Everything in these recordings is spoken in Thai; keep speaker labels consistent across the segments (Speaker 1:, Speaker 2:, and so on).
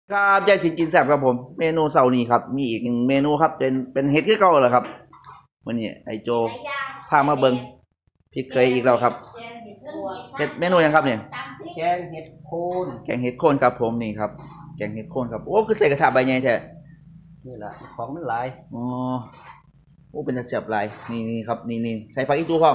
Speaker 1: ครับยายสินกินแซ่บครับผมเมนูเสาร์นี้ครับมีอีกหนึ่งเมนูครับเป็นเห็ดคือเก่าเหรอครับวันนี้ไอโจพามาเบิงพี่เคยอีกแล้วครับเห็ดเมนูยังครับเนี่ย
Speaker 2: แกงเห็ดโคน
Speaker 1: แกงเห็ดโคนครับผมนี่ครับแกงเห็ดโคนครับโอ้คือใส่กระทะใบใหญ่แท้
Speaker 2: นี่แหละของมันหลาย
Speaker 1: อ๋อโอ้เป็นตาแซ่บหลายนี่ครับนี่ใส่ผักอีตูพร้อม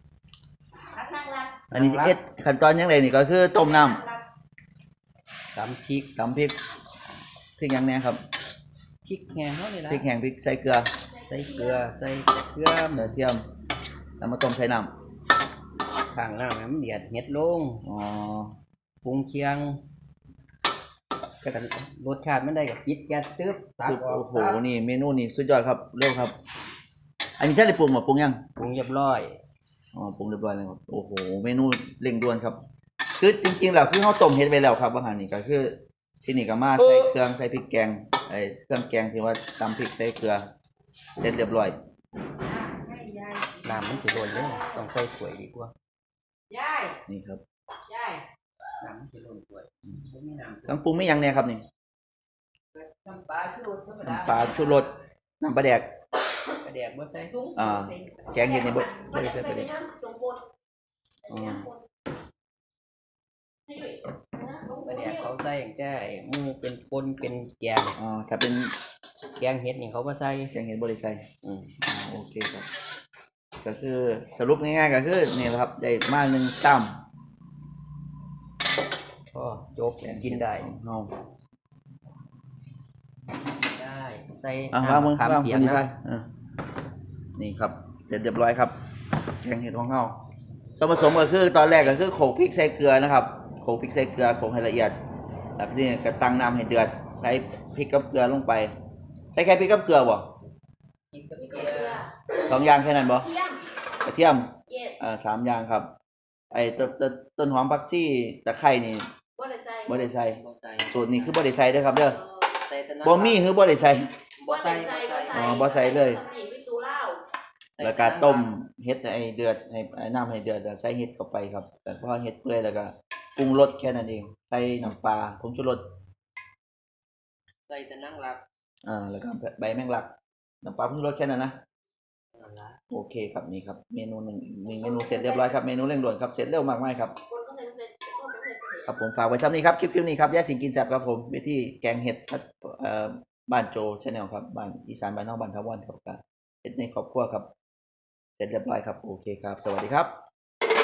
Speaker 1: อันนี้เอ็ดขั้นตอนยังไงนี่ก็คือต้มน้
Speaker 2: ตำพริก
Speaker 1: ำตำพริกยังแน่ครับ
Speaker 2: พริกแห้งเท่านี้ละ
Speaker 1: พริกแห้งพริกใส่เกลือ
Speaker 2: ใส่เกลือใส่กระเทียม
Speaker 1: เทียมแล้วมาต้มใส่น้
Speaker 2: ข้างน้ำให้มันเดือดเห็ดลง
Speaker 1: ำอ๋อ
Speaker 2: ปรุงเคียงก็รสชาติมันได้กับปิดแก๊สตึ๊บตักออก
Speaker 1: โอ้โหนี่เมนูนี่สุดยอดครับเร็วครับ อันนี้ท่านได้ปรุงมาปรุงยัง
Speaker 2: ปรุงเรียบร้อย
Speaker 1: อ๋อปรุงเรียบร้อยแล้วครับโอ้โหเมนูเร่งด่วนครับคือจริงๆแล้วคือเขาต้มเห็ดไปแล้วครับอาหารนี่ก็คือที่นี่ก็มาใส่เครื่องใส่พริกแกงไอ้เครื่องแกงที่ว่าตำพริกใส่เกลือเสร็จเรียบร้อย
Speaker 2: น้ำมันจะโดนเลยต้องใส่ถ้วยดีกว่า
Speaker 1: นี่ครับ
Speaker 2: น้ำมันจะโดนถ้วยไม่น้ำ
Speaker 1: เครื่องปรุงไม่ยังเนี่ยครับนี่
Speaker 2: น้ำปลาชูรสธรรมดา
Speaker 1: น้ำปลาชูรสน้ำปลาแดก
Speaker 2: ปลาแดกบ่ใส่
Speaker 1: แกงเห็ดนี่บ่ได้ใส่ปลาแดกอ๋อ
Speaker 2: ปลาแดกเขาใส่อย่างแก่มือเป็นปนเป็นแกง
Speaker 1: อ๋อถ้าเป็น
Speaker 2: แกงเห็ดนี่เขาบ่ใส่
Speaker 1: แกงเห็ดบ่ได้ใส่โอเคครับก็คือสรุปง่ายๆก็คือนี่แหละครับได้มา1ตั้ม
Speaker 2: ก็จบกินได้
Speaker 1: เอา
Speaker 2: ได้ใส่
Speaker 1: น้ำมะขาม
Speaker 2: เปียก
Speaker 1: นะนี่ครับเสร็จเรียบร้อยครับแกงเห็ดของเราส่วนผสมก็คือตอนแรกก็คือโขลกพริกใส่เกลือนะครับโขลกพริกใส่เกลือโขลกให้ละเอียดแล้วทีนี้ก็ตั้งน้ำให้เดือดใส่พริกกับเกลือลงไปใส่แค่พริกกับเกลือบ่2อย่างแค่นั้นบ่กระเทียม3อย่างครับไอ้ต้นหอมผักชีตะไคร้นี่บ่ได้ใส่สูตรนี้คือบ่ได้ใส่เด้อครับเด้อบ่มีคือบ่ได้ใส่บ่ใส่เลยแล้วก็ต้มเห็ดให้เดือดให้น้ำให้เดือดแล้วใส่เห็ดเข้าไปครับแต่พอเห็ดเปื่อยแล้วก็ปรุงรสแค่นั้นเองใส่น้ำปลาผงชูรส
Speaker 2: ใส่แต่นั่งรับ
Speaker 1: แล้วก็ใบแมงลักน้ำปลาผงชูรสแค่นั้นนะโอเคครับนี่ครับเมนูหนึ่งเมนูเสร็จเรียบร้อยครับเมนูเร่งด่วนครับเสร็จเร็วมากๆครับครับผมฝากไว้ซ้ำนี้ครับคลิปนี้ครับย่าสิงกินแซ่บครับผมวิธีแกงเห็ดบ้านโจชาแนลครับบ้านอีสานบ้านนอกบ้านทาวอนครับเห็ดในครอบครัวครับเสร็จเรียบร้อยครับโอเคครับสวัสดีครับ